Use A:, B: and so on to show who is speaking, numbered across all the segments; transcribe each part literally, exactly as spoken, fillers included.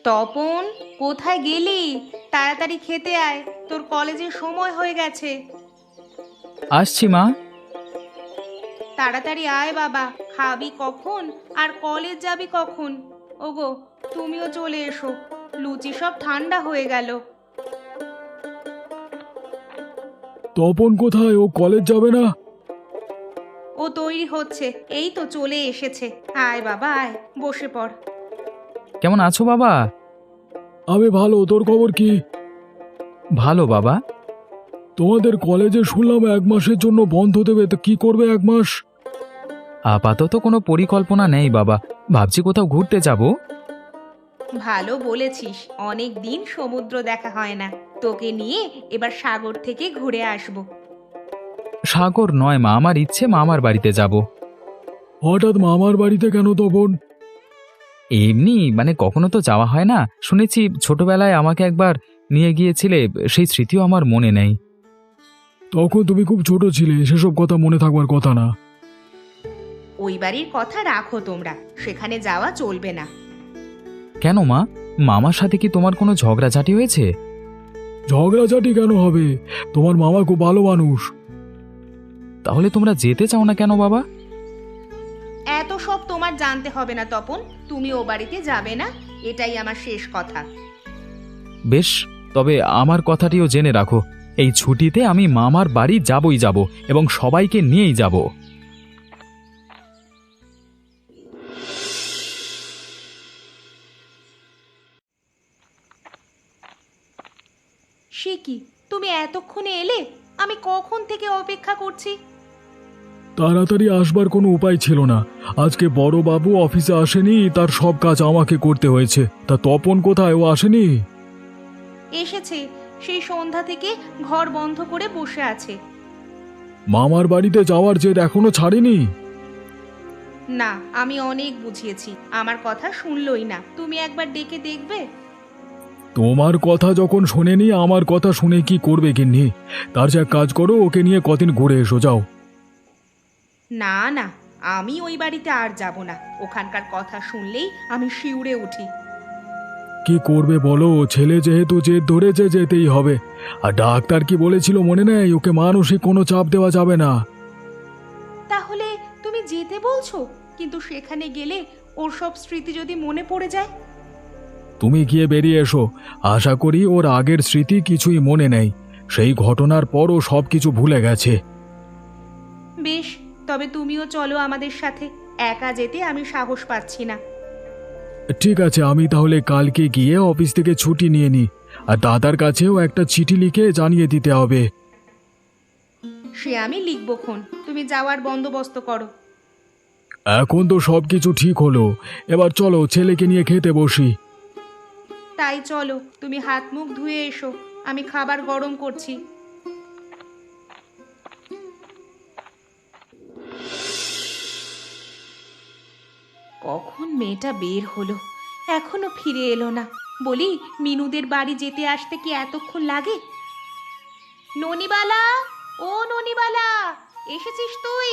A: তপন, কোথায় গেলি? তাড়াতাড়ি খেতে আয়, তোর কলেজের সময় হয়ে গেছে।
B: আসছি মা।
A: তাড়াতাড়ি আয় বাবা, খাবি কখন আর কলেজ যাবি কখন? ওগো, তুমিও চলে এসো, লুচি সব ঠান্ডা হয়ে গেল।
C: তপন কোথায়? ও কলেজ যাবে না?
A: ও তৈরি হচ্ছে, এই তো চলে এসেছে। আয় বাবা আয়, বসে পড়।
B: কেমন আছো বাবা?
C: আমি ভালো, তোর খবর কি?
B: ভালো বাবা।
C: তোমাদের কলেজে শুনলাম এক মাসের জন্য বন্ধ দেবে, তো কি করবে এক মাস?
B: আপাতত কোনো পরিকল্পনা নেই বাবা, ভাবছি কোথাও ঘুরতে যাব।
A: ভালো বলেছিস, অনেক দিন সমুদ্র দেখা হয় না, তোকে নিয়ে এবার সাগর থেকে ঘুরে আসবো।
B: সাগর নয় মা, আমার ইচ্ছে মামার বাড়িতে যাব।
C: হঠাৎ মামার বাড়িতে কেন তপন?
B: এমনি মানে কখনো তো যাওয়া হয় না, শুনেছি ছোটবেলায় আমাকে একবার নিয়ে গিয়েছিলে, সেই স্মৃতিও আমার মনে নেই।
C: তখন তুমি খুব ছোট ছিলে, সেসব কথা মনে থাকবার কথা না।
A: ওই বাড়ির কথা রাখো তোমরা, সেখানে যাওয়া চলবে না।
B: কেন মা, মামার সাথে কি তোমার কোনো ঝগড়াঝাটি হয়েছে?
C: ঝগড়াঝাটি কেন হবে? তোমার মামা খুব ভালো মানুষ।
B: তাহলে তোমরা যেতে চাও না কেন বাবা?
A: এত সব তোমার জানতে হবে না তপন, তুমি ও বাড়িতে যাবে না, এটাই আমার শেষ কথা।
B: বেশ, তবে আমার কথাটিও জেনে রাখো, এই ছুটিতে আমি মামার বাড়ি যাবই যাব এবং সবাইকে নিয়েই যাব।
A: সে কি, তুমি এতক্ষণে এলে? আমি কখন থেকে অপেক্ষা করছি।
C: তাড়াতাড়ি আসবার কোনো উপায় ছিল না। আজকে বড় বাবু অফিসে আসেনি, তার সব কাজ আমাকে করতে হয়েছে। তা তপন কোথায়? ও আসেনি?
A: এসেছে, সেই সন্ধ্যা থেকে ঘর বন্ধ করে বসে আছে।
C: মামার বাড়িতে যাওয়ার জেদ এখনো ছাড়েনি?
A: না, আমি অনেক বুঝিয়েছি, আমার কথা শুনলই না। তুমি একবার ডেকে দেখবে?
C: তোমার কথা যখন শোনেনি, আমার কথা শুনে কি করবে গিন্নি? তার যা কাজ করো, ওকে নিয়ে কদিন ঘুরে এসো যাও।
A: না না, আমি ওই বাড়িতে আর যাব না, ওখানকার কথা শুনলেই আমি শিউরে উঠি।
C: কি করবে বলো? ছেলে যেহেতু জেদ ধরেছে, যেতেই হবে। আর ডাক্তার কি বলেছিল মনে নেই? ওকে মানসিক কোনো চাপ দেওয়া যাবে না।
A: তাহলে তুমি যেতে বলছো? কিন্তু সেখানে গেলে ওর সব স্মৃতি যদি মনে পড়ে যায়?
C: তুমি গিয়ে বেরিয়ে এসো। আশা করি ওর আগের স্মৃতি কিছুই মনে নেই। সেই ঘটনার পরও সব কিছু ভুলে গেছে।
A: বেশ, তবে তুমিও চলো আমাদের সাথে, একা যেতে আমি সাহস পাচ্ছি না।
C: ঠিক আছে, আমি তাহলে কালকে গিয়ে অফিস থেকে ছুটি নিয়ে নিই। আর দাদার কাছেও একটা চিঠি লিখে জানিয়ে দিতে হবে।
A: সে আমি লিখবো খন, তুমি যাওয়ার বন্দোবস্ত করো।
C: এখন তো সব কিছু ঠিক হলো, এবার চলো ছেলেকে নিয়ে খেতে বসি।
A: তাই চলো, তুমি হাত মুখ ধুয়ে এসো, আমি খাবার গরম করছি। কখন মেয়েটা বের হলো, এখনো ফিরে এলো না। বলি, মিনুদের বাড়ি যেতে আসতে কি এতক্ষণ লাগে? ননিবালা, ও ননিবালা, এসেছিস তুই?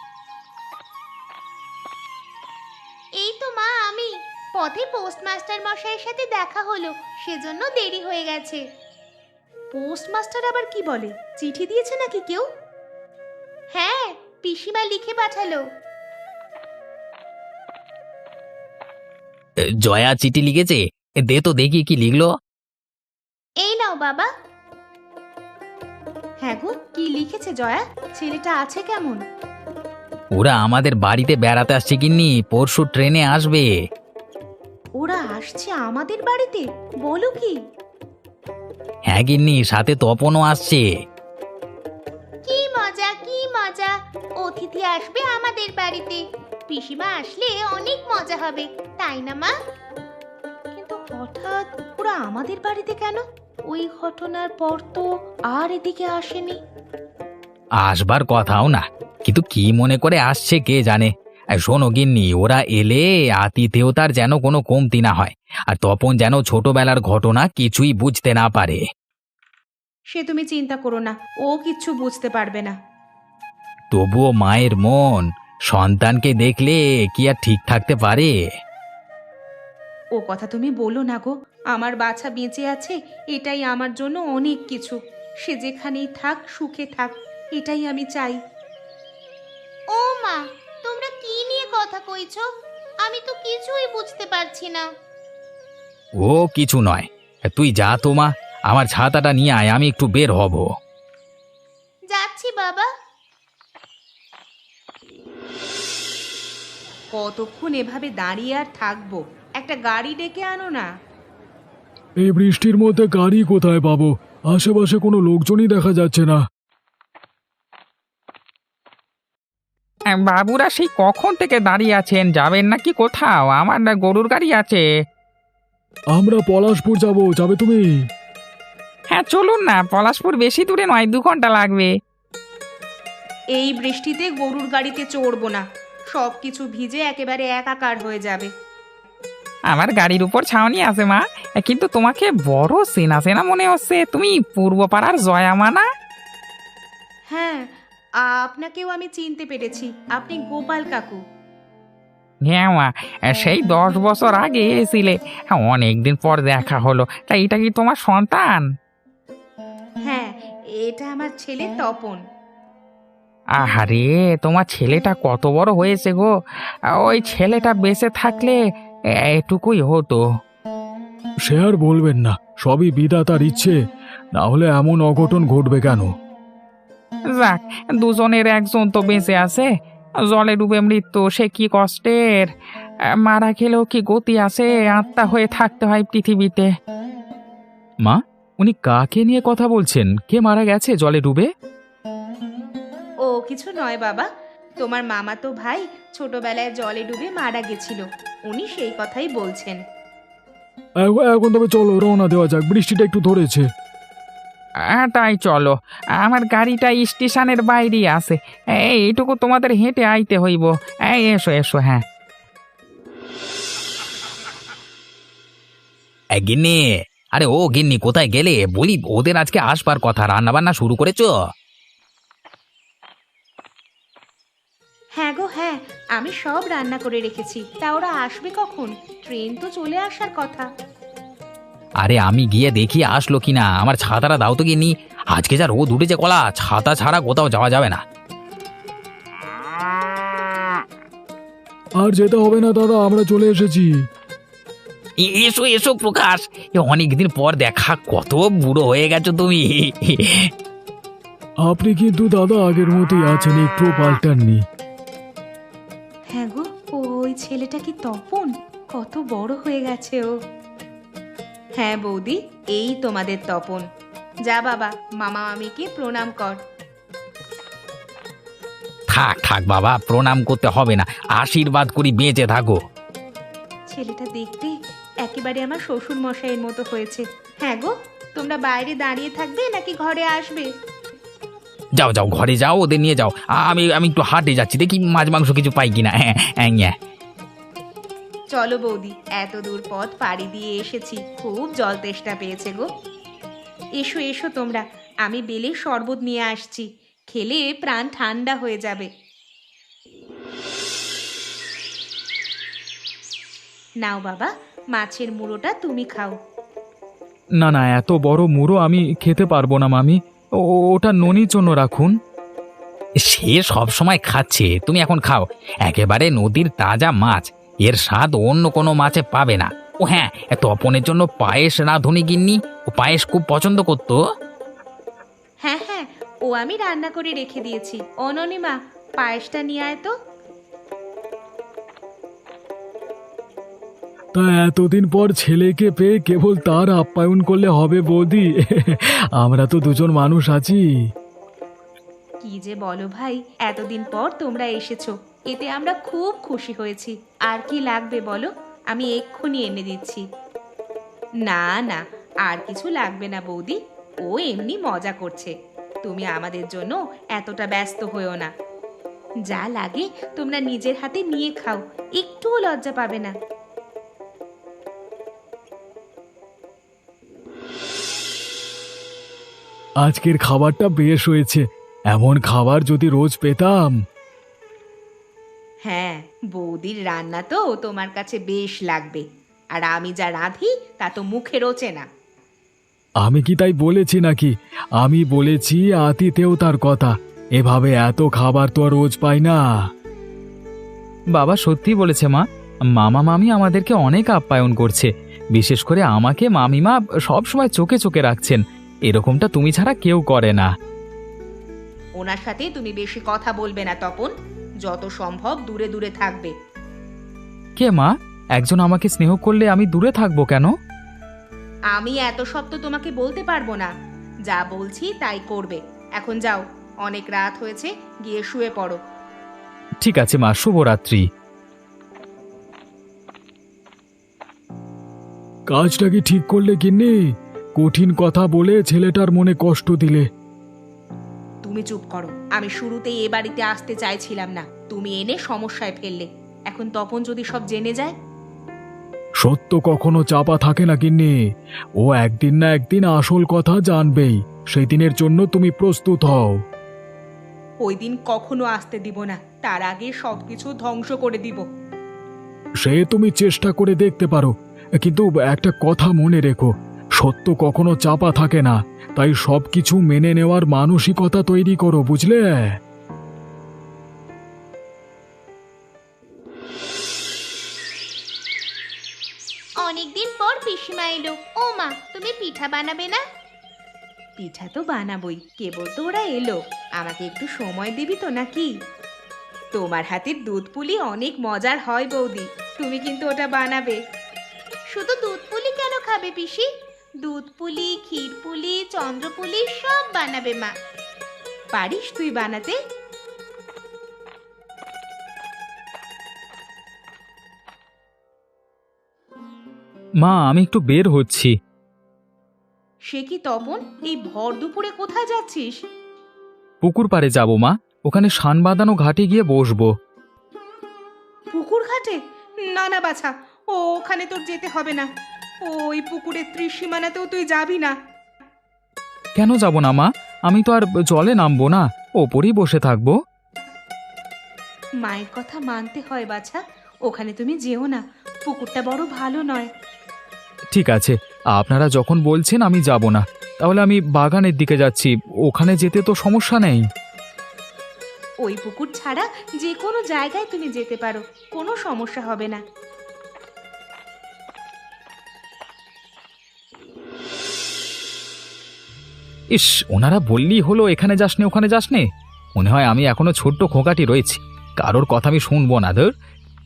A: এই তো মা আমি, পথে পোস্টমাস্টার মশাইয়ের সাথে দেখা হলো, সেজন্য দেরি হয়ে গেছে। পোস্টমাস্টার আবার কি বলে? চিঠি দিয়েছে নাকি কেউ? হ্যাঁ, পিসিমা লিখে পাঠালো।
D: জয়া চিঠি লিখেছে? দে তো দেখি কি লিখলো।
A: এই নাও বাবা। হ্যাঁ গো, কি লিখেছে জয়া? ছেলেটা আছে কেমন?
D: ওরা আমাদের বাড়িতে বেড়াতে আসছে গিন্নি, পরশু ট্রেনে আসবে।
A: ওরা আসছে আমাদের বাড়িতে? বলো কি?
D: হ্যাঁ গিন্নি, সাথে তপনও আসছে।
A: কি মজা, কি মজা! অতিথি আসবে আমাদের বাড়িতে, পিসিমা আসলে অনেক মজা হবে, তাই না মা? কিন্তু হঠাৎ ওরা আমাদের বাড়িতে কেন? ওই ঘটনার পর তো আর এদিকে আসেনি।
D: আসবার কথাও না, কিন্তু কি মনে করে আসছে কে জানে। আর শোনো গিন্নি, ওরা এলে আতিথেয়তার যেন কোনো কমতি না হয়, আর তপন যেন ছোটবেলার ঘটনা কিছুই বুঝতে না পারে।
A: সে তুমি চিন্তা করো না, ও কিচ্ছু বুঝতে পারবে না।
D: তবুও মায়ের মন সন্তানকে দেখলে কি আর ঠিক থাকতে পারে?
A: ও কথা তুমি বলো না গো। আমার বাছা বেঁচে আছে, এটাই আমার জন্য অনেক কিছু। সে যেখানেই থাক, সুখে থাক, এটাই আমি চাই। ও মা, তোমরা কি নিয়ে কথা কইছো? আমি তো কিছুই বুঝতে পারছি না।
D: ও কিছু নয়, তুই যা তো মা, আমার ছাতাটা নিয়ে আয়, আমি একটু বের হব।
A: যাচ্ছি বাবা। কতক্ষণ এভাবে দাঁড়িয়ে আর থাকবো? একটা গাড়ি ডেকে আনো না।
C: এই বৃষ্টির মধ্যে গাড়ি কোথায় পাবো? আশেপাশে কোনো লোকজনই দেখা যাচ্ছে না।
E: বাবুরা সেই কখন থেকে দাঁড়িয়ে আছেন, যাবেন নাকি কোথাও? আমার না গরুর গাড়ি আছে।
C: আমরা পলাশপুর যাব, যাবে তুমি?
E: হ্যাঁ চলুন না, পলাশপুর বেশি দূরে নয়, দু ঘন্টা লাগবে।
A: এই বৃষ্টিতে গরুর গাড়িতে চড়বো না, সব কিছু ভিজে একেবারে একাকার হয়ে যাবে।
E: আমার গাড়ির উপর ছাউনি আছে মা, কিন্তু তোমাকে বড় চেনা চেনা মনে হচ্ছে। তুমি পূর্বপাড়ার জয়ামা না?
A: হ্যাঁ, আপনাকেও আমি চিনতে পেরেছি। আপনি গোপাল কাকু।
E: হ্যাঁ মা, সেই দশ বছর আগে এসেছিলে, অনেকদিন পর দেখা হলো। তা এটা কি তোমার সন্তান?
A: হ্যাঁ, এটা আমার ছেলে তপন।
E: আহারে, তোমার ছেলেটা কত বড় হয়েছে গো। ওই ছেলেটা বেঁচে থাকলে এটুকুই হতো।
C: সে আর বলবেন না, সবই বিধাতার ইচ্ছে, না হলে এমন অঘটন ঘটবে কেন?
E: যাক, দুজনের একজন তো বেঁচে আছে। জলে ডুবে মৃত্যু, সে কি কষ্টের। মারা গেলেও কি গতি আছে? আত্মা হয়ে থাকতে হয় পৃথিবীতে।
B: মা, উনি কাকে নিয়ে কথা বলছেন? কে মারা গেছে জলে ডুবে?
A: ও কিছু নয় বাবা, তোমার মামাতো ভাই ছোটবেলায় জলে ডুবে মারা গেছিল। উনি সেই কথাই বলছেন।
C: এ- এখন তবে চলো, রওনা দেওয়া যাক, বৃষ্টিটা একটু ধরেছে।
E: আহ, তাই চলো, আমার গাড়িটা স্টেশনের বাইরেই আছে। এই, এইটুকু তোমাদের হেঁটে আইতে হইব। এই এসো এসো। হ্যাঁ
D: এ, গিন্নি, আরে ও গিন্নি, কোথায় গেলে? বলি, ওদের আজকে আসবার কথা, রান্না বান্না শুরু করেছো?
A: হ্যাঁ গো হ্যাঁ, আমি সব রান্না করে রেখেছি। তা ওরা আসবে কখন? ট্রেন তো চলে আসার কথা।
D: আরে আমি গিয়ে দেখি আসলো কিনা। আমার ছাতাটা দাও তো গিন্নি, আজকে যা রোদ উঠেছে কলা, ছাতা ছাড়া কোথাও যাওয়া যাবে না।
C: আর যেতে হবে না দাদা, আমরা চলে এসেছি।
D: এ- এসো এসো প্রকাশ, এ অনেকদিন পর দেখা, কত বুড়ো হয়ে গেছো তুমি।
C: আপনি কিন্তু দাদা আগের মতোই আছেন, একটুও পাল্টাননি।
A: হ্যাঁ গো, ওই ছেলেটা কি তপন? কত বড় হয়ে গেছে ও। হ্যাঁ বৌদি, এই তোমাদের তপন। যা বাবা, মামা মামিকে প্রণাম কর।
D: থাক থাক বাবা, প্রণাম করতে হবে না, আশীর্বাদ করি বেঁচে থাকো।
A: ছেলেটা দেখতে একেবারে আমার শ্বশুর মশাইয়ের মতো হয়েছে। হ্যাঁ গো, তোমরা বাইরে দাঁড়িয়ে থাকবে নাকি ঘরে আসবে?
D: যাও যাও, ঘরে যাও, ওদের নিয়ে যাও। আমি আমি একটু হাটে যাচ্ছি, দেখি মাছ মাংস কিছু পাই কিনা। হ্যাঁ হ্যাঁ হ্যাঁ।
A: চলো বৌদি, এত দূর পথ পাড়ি দিয়ে এসেছি, খুব জল তেষ্টা পেয়েছে গো। এসো এসো তোমরা, আমি বেলে শরবত নিয়ে আসছি, খেলে প্রাণ ঠান্ডা হয়ে যাবে। নাও বাবা, মাছের মুড়োটা তুমি খাও।
B: না না, এত বড় মুড়ো আমি খেতে পারবো না মামি। ও- ওটা ননির জন্য রাখুন।
D: সে সব সময় খাচ্ছে, তুমি এখন খাও। একেবারে নদীর তাজা মাছ, এর স্বাদ অন্য কোনো মাছে পাবে না। ও হ্যাঁ, তপনের জন্য পায়েস রাঁধুনি গিন্নি, ও পায়েস খুব পছন্দ করতো।
A: হ্যাঁ হ্যাঁ, ও আমি রান্না করে রেখে দিয়েছি। অননিমা, পায়েসটা নিয়ে আয় তো।
C: তা এতদিন পর ছেলেকে পেয়ে কেবল তার আপ্যায়ন করলে হবে বৌদি? আমরা তো দুজন মানুষ আছি।
A: কি যে বলো ভাই, এতদিন পর তোমরা এসেছো, এতে আমরা খুব খুশি হয়েছি। আর কি লাগবে বলো, আমি এক্ষুনি এনে দিচ্ছি। না না, আর কিছু লাগবে না বৌদি, ও এমনি মজা করছে। তুমি আমাদের জন্য এতটা ব্যস্ত হয়েও না। যা লাগে তোমরা নিজের হাতে নিয়ে খাও, একটুও লজ্জা পাবে না।
C: আজকের খাবারটা বেশ হয়েছে, এমন খাবার যদি রোজ পেতাম।
A: হ্যাঁ, বৌদির রান্না তো তোমার কাছে বেশ লাগবে। আর আমি যা রাঁধি তা তো মুখে রোচে না।
C: আমি কি তাই বলেছি নাকি? আমি বলেছি আতিথেয়তার কথা। এভাবে এত খাবার তো আর রোজ পাই না।
B: বাবা সত্যি বলেছে মা, মামা মামি আমাদেরকে অনেক আপ্যায়ন করছে, বিশেষ করে আমাকে মামিমা সব সময় চোখে চোখে রাখছেন। এরকমটা তুমি ছাড়া কেউ করে না।
A: ওনার সাথে তুমি বেশি কথা বলবে না তপন, যত সম্ভব দূরে দূরে থাকবে।
B: কে মা? একজন আমাকে স্নেহ করলে আমি দূরে থাকবো কেন?
A: আমি এত সব তো তোমাকে বলতে পারবো না, যা বলছি তাই করবে। এখন যাও, অনেক রাত হয়েছে, গিয়ে শুয়ে পড়ো।
B: ঠিক আছে মা, শুভরাত্রি।
C: কাজটা কি ঠিক করলে গিন্নি? কঠিন কথা বলে ছেলেটার মনে কষ্ট দিলে।
A: তুমি চুপ করো। আমি শুরুতেই এ বাড়িতে আসতে চাইছিলাম না, তুমি এনে সমস্যায় ফেললে। এখন তপন যদি সব জেনে যায়?
C: সত্য কখনো চাপা থাকে না গিন্নি, ও একদিন না একদিন আসল কথা জানবেই। সেই দিনের জন্য তুমি প্রস্তুত হও।
A: ওই দিন কখনো আসতে দিব না, তার আগে সবকিছু ধ্বংস করে দিব।
C: সে তুমি চেষ্টা করে দেখতে পারো, কিন্তু একটা কথা মনে রেখো, সত্য কখনো চাপা থাকে না। তাই সবকিছু মেনে নেওয়ার মানসিকতা তৈরি করো, বুঝলে?
A: অনেকদিন পর পিসিমা এলো। ও মা, তুমি পিঠা বানাবে না? পিঠা তো বানাবই, কেবল তো ওরা এলো। আমাকে একটু সময় দিবি তো নাকি? তোমার হাতের দুধ পুলি অনেক মজার হয় বৌদি, তুমি কিন্তু ওটা বানাবে। শুধু দুধ পুলি কেন খাবে পিসি? দুধ পুলি, ক্ষীর পুলি, চন্দ্র পুলি সব বানাবে মা। পারিস তুই বানাতে?
B: মা আমি একটু বের হচ্ছি।
A: সে কি তপন, এই ভর দুপুরে কোথায় যাচ্ছিস?
B: পুকুর পাড়ে যাব মা, ওখানে শান বাঁধানো ঘাটে গিয়ে বসবো।
A: পুকুর ঘাটে? না না বাছা, ও ওখানে তোর যেতে হবে না। ওই পুকুরের ত্রিসীমানাতেও তুই যাবি না।
B: কেন যাব না মা? আমি তো আর জলে নামবো না, ওপরেই বসে থাকবো।
A: মায়ের কথা মানতে হয় বাছা, ওখানে তুমি যেও না, পুকুরটা বড় ভালো নয়।
B: ঠিক আছে, আপনারা যখন বলছেন আমি যাব না। তাহলে আমি বাগানের দিকে যাচ্ছি, ওখানে যেতে তো সমস্যা নেই।
A: ওই পুকুর ছাড়া যে কোনো জায়গায় তুমি যেতে পারো, কোনো সমস্যা হবে না।
B: ইস, ওনারা বললেই হলো এখানে যাস নে ওখানে যাস নে। মনে হয় আমি এখনো ছোট্ট খোকাটি রয়েছি, কারোর কথা আমি শুনবো না। ধর,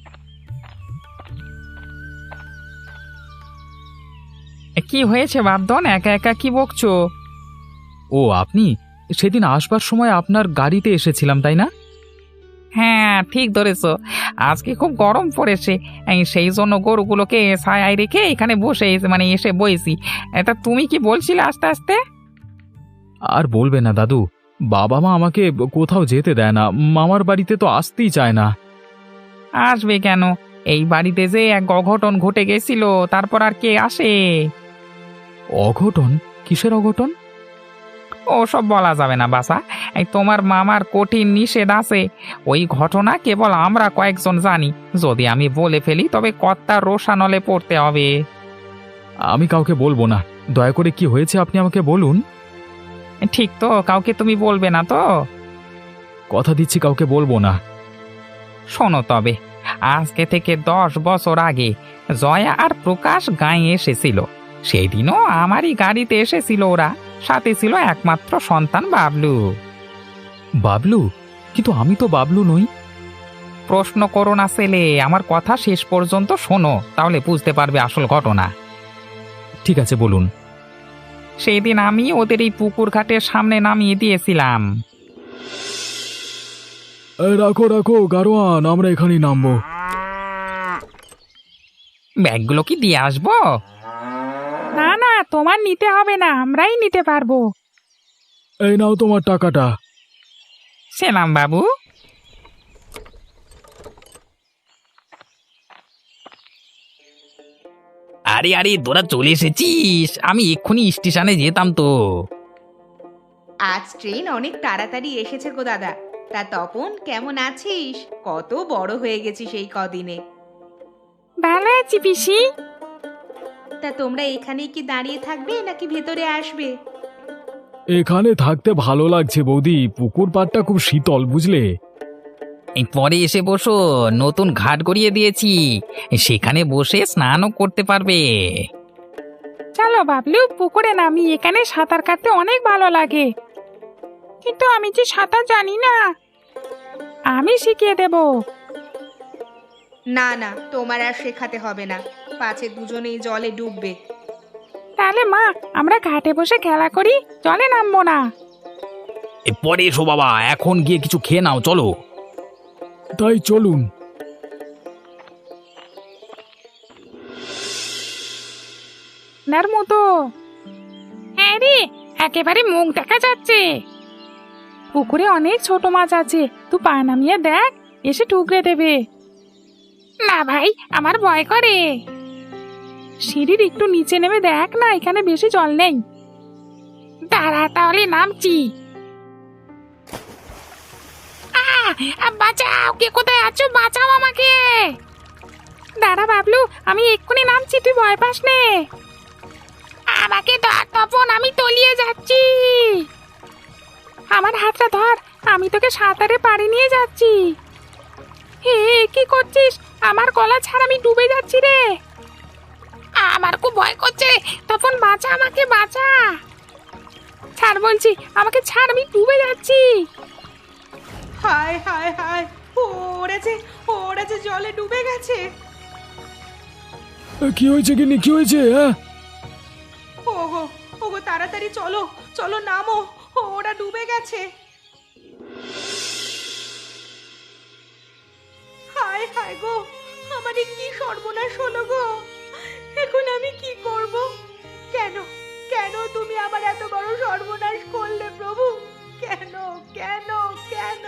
E: কি হয়েছে বাপধন, একা একা কি বকছো?
B: ও আপনি? সেদিন আসবার সময় আপনার গাড়িতে এসেছিলাম তাই না?
E: হ্যাঁ ঠিক ধরেছো, আজকে খুব গরম পড়েছে, এই সেই জন্য গরুগুলোকে ছায়ায় রেখে এখানে বসে এসে- মানে এসে বইছি। এটা তুমি কি বলছিলে আস্তে আস্তে?
B: আর বলবে না দাদু, বাবা মা আমাকে কোথাও যেতে দেয় না, মামার বাড়িতে তো আসতেই চায় না।
E: আসবে কেন? এই বাড়িতে যে এক অঘটন ঘটে গেছিল, তারপর আর কে আসে?
B: অঘটন? কিসের অঘটন?
E: ও সব বলা যাবে না বাসা, এই তোমার মামার কঠিন নিষেধ আছে। ওই ঘটনা কেবল আমরা কয়েকজন জানি, যদি আমি বলে ফেলি তবে কর্তার রোষানলে পড়তে হবে।
B: আমি কাউকে বলবো না, দয়া করে কি হয়েছে আপনি আমাকে বলুন।
E: ঠিক তো, কাউকে তুমি বলবে না তো?
B: কথা দিচ্ছি কাউকে বলবো না।
E: শোনো তবে, আজকে থেকে দশ বছর আগে জয়া আর প্রকাশ গাঁয়ে এসেছিল। সেই দিনও আমারই গাড়িতে এসেছিল ওরা, সাথে ছিল একমাত্র সন্তান বাবলু।
B: বাবলু? কিন্তু আমি তো বাবলু নই।
E: প্রশ্ন করো না ছেলে, আমার কথা শেষ পর্যন্ত শোনো, তাহলে বুঝতে পারবে আসল ঘটনা।
B: ঠিক আছে বলুন।
E: সেই দিন আমি ওদের এই পুকুর ঘাটের সামনে নামিয়ে দিয়েছিলাম।
C: এ, রাখো রাখো গারোয়ান, আমরা এখানেই নামবো।
E: ব্যাগগুলো কি দিয়ে আসবো? না না, তোমার নিতে হবে না, আমরাই নিতে পারবো।
C: এই নাও তোমার টাকাটা।
E: সেলাম বাবু।
D: আরে আরে তোরা চলে এসেছিস, আমি এক্ষুনি স্টেশনে যেতাম তো।
A: আজ ট্রেন অনেক তাড়াতাড়ি এসেছে গো দাদা। তা তপন কেমন আছিস? কত বড় হয়ে গেছিস এই কদিনে।
E: ভালো আছি পিসি।
A: তা তোমরা এখানেই কি দাঁড়িয়ে থাকবে নাকি ভেতরে আসবে?
C: এখানে থাকতে ভালো লাগছে বৌদি, পুকুর পাড়টা খুব শীতল বুঝলে।
E: এই পরে এসে বসো, নতুন ঘাট গড়িয়ে দিয়েছি, সেখানে বসে স্নানও করতে পারবে।
F: চলো বাবলু, পুকুরে নামি, এখানে সাঁতার কাটতে অনেক ভালো লাগে। কিন্তু আমি যে সাঁতার জানি না। আমি শিখিয়ে দেব।
A: না না, তোমার আর শেখাতে হবে না, পাছে দুজনেই জলে ডুববে।
F: তাহলে মা, আমরা ঘাটে বসে খেলা করি, জলে নামবো না।
D: এ পরে এসো বাবা, এখন গিয়ে কিছু খেয়ে নাও চলো।
C: তাই চলুন।
F: নার মতো। হ্যাঁ রে, একেবারে মুখ দেখা যাচ্ছে। পুকুরে অনেক ছোট মাছ আছে, তুই পা নামিয়ে দেখ, এসে ঠুকরে দেবে। না ভাই, আমার ভয় করে। সিঁড়ির একটু নিচে নেমে দেখ না, এখানে বেশি জল নেই। দাঁড়া, তাহলে নামছি। আহ, বাঁচাও, কে কোথায় আছো? বাঁচাও আমাকে। দাঁড়া বাবলু, আমি এক্ষুনি নামছি, তুই ভয় পাস নে। আমাকে ধর তপন, আমি তলিয়ে যাচ্ছি। আমার হাতটা ধর, আমি তোকে সাঁতারে পাড়ি নিয়ে যাচ্ছি। হে, কি করছিস? আমার গলা ছাড়, আমি ডুবে যাচ্ছি রে। আমার খুব ভয় করছে, তপন বাঁচা, আমাকে বাঁচা। ছাড় বলছি, আমাকে ছাড়, আমি ডুবে যাচ্ছি।
A: হায় হায় হায়, ওড়েছে ওড়েছে, জলে ডুবে গেছে।
C: কি হয়েছে গিন্নি, কি হয়েছে? হ্যাঁ,
A: ওগো ওগো, তাড়াতাড়ি চলো চলো, নামো, ওরা ডুবে গেছে। হায় হায় গো, আমারে কি সর্বনাশ হলো গো, এখন আমি কি করব? কেন কেন তুমি আমার এত বড় সর্বনাশ করলে প্রভু? কেন কেন কেন?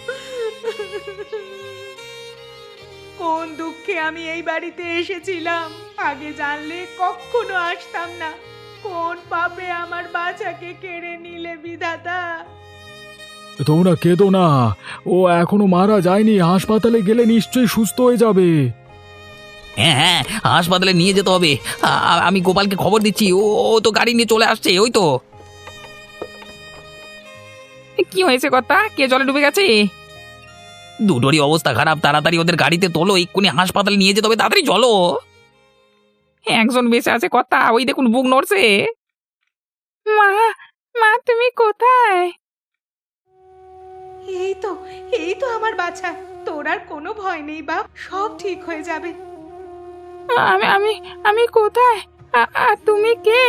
A: কোন দুঃখে আমি এই বাড়িতে এসেছিলাম, আগে জানলে কখনো আসতাম না। কোন পাপে আমার বাচ্চাকে কেড়ে নিলে বিধাতা?
C: তোমরা কেঁদো না, ও এখনো মারা যায়নি, হাসপাতালে গেলে নিশ্চয়ই সুস্থ হয়ে যাবে।
D: হ্যাঁ হ্যাঁ, হাসপাতালে নিয়ে যেতে হবে। আ- আ- আমি গোপালকে খবর দিচ্ছি, ও ও তো গাড়ি নিয়ে চলে আসছে, ওই তো।
F: কি হয়েছে কথা? কে জলে ডুবে গেছে?
D: দুটোরই অবস্থা খারাপ, তাড়াতাড়ি ওদের গাড়িতে তোলো, এক্ষুনি হাসপাতালে নিয়ে যেতে হবে, তাড়াতাড়ি চলো।
F: একজন বেঁচে আছে কথা, ওই দেখুন বুক নড়ছে। মা, মা তুমি কোথায়?
A: এই তো এই তো আমার বাচ্চা, তোর আর কোনো ভয় নেই বাপ, সব ঠিক হয়ে যাবে।
F: আমি আমি আমি কোথায়? আ- আর তুমি কে?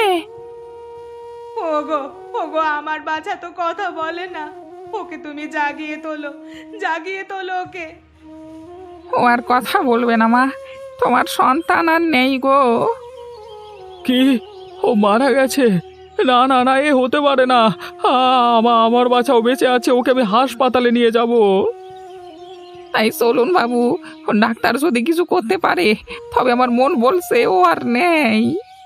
A: ওগো ওগো, আমার বাচ্চা তো কথা বলে না, ওকে তুমি জাগিয়ে তোলো, জাগিয়ে তোলো ওকে।
F: ও আর কথা বলবে না মা, তোমার সন্তান আর নেই গো।
C: কি, ও মারা গেছে? না না না, এ হতে পারে না। আ, আমা- আমার বাচ্চাও বেঁচে আছে, ওকে আমি হাসপাতালে নিয়ে যাব।
F: তাই চলুন বাবু, ডাক্তার যদি কিছু করতে পারে, তবে আমার মন বলছে ও আর নেই।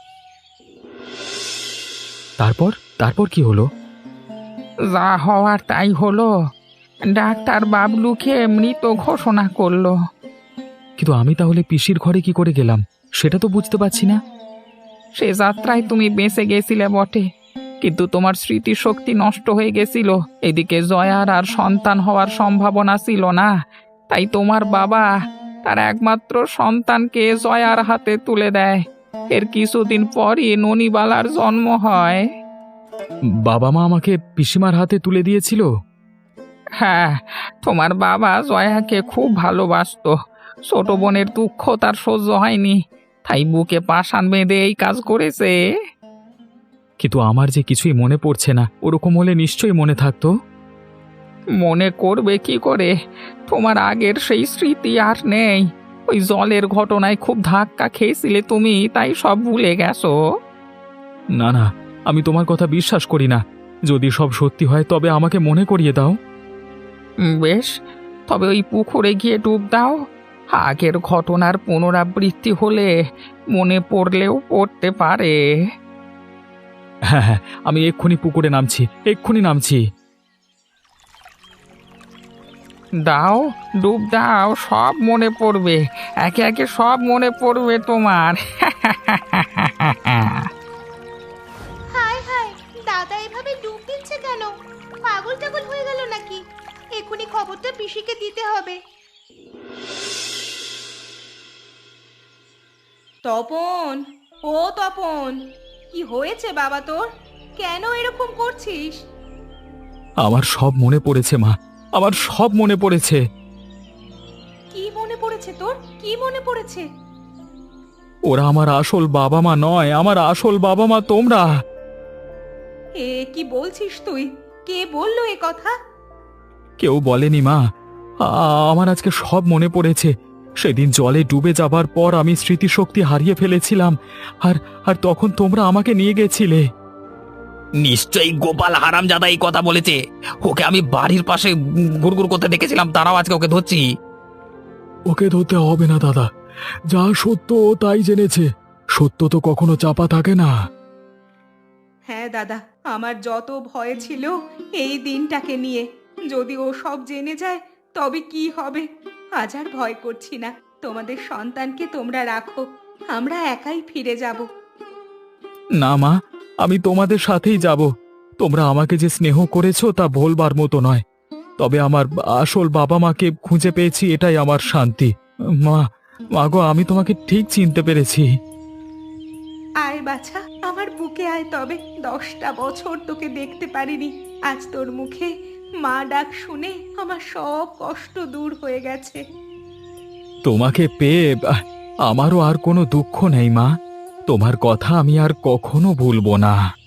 B: তারপর তারপর কি হলো?
F: যা হওয়ার তাই হলো, ডাক্তার বাবলুকে মৃত ঘোষণা করলো।
B: কিন্তু আমি তাহলে পিসির ঘরে কি করে গেলাম সেটা তো বুঝতে পারছি না।
F: সে যাত্রায় তুমি বেঁচে গেছিলে বটে, কিন্তু তোমার স্মৃতিশক্তি নষ্ট হয়ে গেছিল। এদিকে জয়ার আর সন্তান হওয়ার সম্ভাবনা ছিল না, তাই তোমার বাবা তার একমাত্র সন্তানকে জয়ার হাতে তুলে দেয়। এর কিছুদিন পরই ননিবালার জন্ম হয়।
B: বাবা মা আমাকে পিসিমার হাতে তুলে দিয়েছিল।
F: হ্যাঁ, তোমার বাবা জয়াকে খুব ভালোবাসতো। ছোট বোনের দুঃখ তার সহ্য হয়নি, তাই বুকে পাষাণ বেঁধে এই কাজ করেছে।
B: কিন্তু আমার যে কিছুই মনে পড়ছে না, ওরকম হলে নিশ্চয়ই মনে থাকতো।
F: মনে করবে কি করে? তোমার আগের সেই স্মৃতি আর নেই। ওই জলের ঘটনায় খুব ধাক্কা খেয়েছিলে তুমি, তাই সব ভুলে গেছো।
B: না না, আমি তোমার কথা বিশ্বাস করি না। যদি সব সত্যি হয় তবে আমাকে মনে করিয়ে দাও।
F: উম, বেশ, তবে ওই পুকুরে গিয়ে ডুব দাও। আগের ঘটনার পুনরাবৃত্তি হলে মনে পড়লেও পড়তে পারে।
B: হ্যাঁ হ্যাঁ, আমি এক্ষুনি পুকুরে নামছি, এক্ষুনি নামছি।
F: দাও, ডুব দাও, সব মনে পড়বে, একে একে সব মনে পড়বে তোমার।
A: হায় হায়, দাদা এভাবে ডুব দিচ্ছে কেন? পাগল টাগল হয়ে গেল নাকি? এক্ষুনি খবরটা পিসিকে দিতে হবে।
G: তপন, ও তপন, কি হয়েছে বাবা তোর? কেন এরকম করছিস?
C: আমার সব মনে পড়েছে মা, আমার সব মনে পড়েছে।
G: কি মনে পড়েছে তোর? কি মনে পড়েছে?
C: ওরা আমার আসল বাবা মা নয়, আমার আসল বাবা মা তোমরা।
G: এ কি বলছিস তুই? কে বললো এ কথা?
C: কেউ বলেনি মা, আ- আমার আজকে সব মনে পড়েছে। সেদিন জলে ডুবে যাবার পর আমি স্মৃতিশক্তি হারিয়ে ফেলেছিলাম, আর আর তখন তোমরা আমাকে নিয়ে গেছিলে।
D: নিশ্চয়ই গোপাল হারামজাদা এই কথা বলেছে। ওকে আমি বাড়ির পাশে গুড়গুড় করতে দেখেছিলাম, তারাও আজকে ওকে ধরছি।
C: ওকে ধরতে হবে না দাদা, যা সত্য ও তাই জেনেছে। সত্য তো কখনো চাপা থাকে না।
G: হ্যাঁ দাদা, আমার যত ভয় ছিল এই দিনটাকে নিয়ে। যদি ও সব জেনে যায় তবে কি হবে? আজ আর ভয় করছি না। তোমাদের সন্তানকে তোমরা রাখো, আমরা একাই ফিরে যাব।
C: না মা, আমি তোমাদের সাথেই যাব। তোমরা আমাকে যে স্নেহ করেছো তা ভোলবার মতো নয়। তবে আমার আসল বাবা মাকে খুঁজে পেয়েছি, এটাই আমার শান্তি। মা, মা গো, আমি তোমাকে ঠিক চিনতে পেরেছি।
G: আয় বাছা, আমার বুকে আয় তবে। দশটা বছর তোকে দেখতে পারিনি, আজ তোর মুখে মা ডাক শুনে আমার সব কষ্ট দূর হয়ে গেছে।
C: তোমাকে পেয়ে আহ, আমারও আর কোনো দুঃখ নেই মা। তোমার কথা আমি আর কখনো ভুলবো না।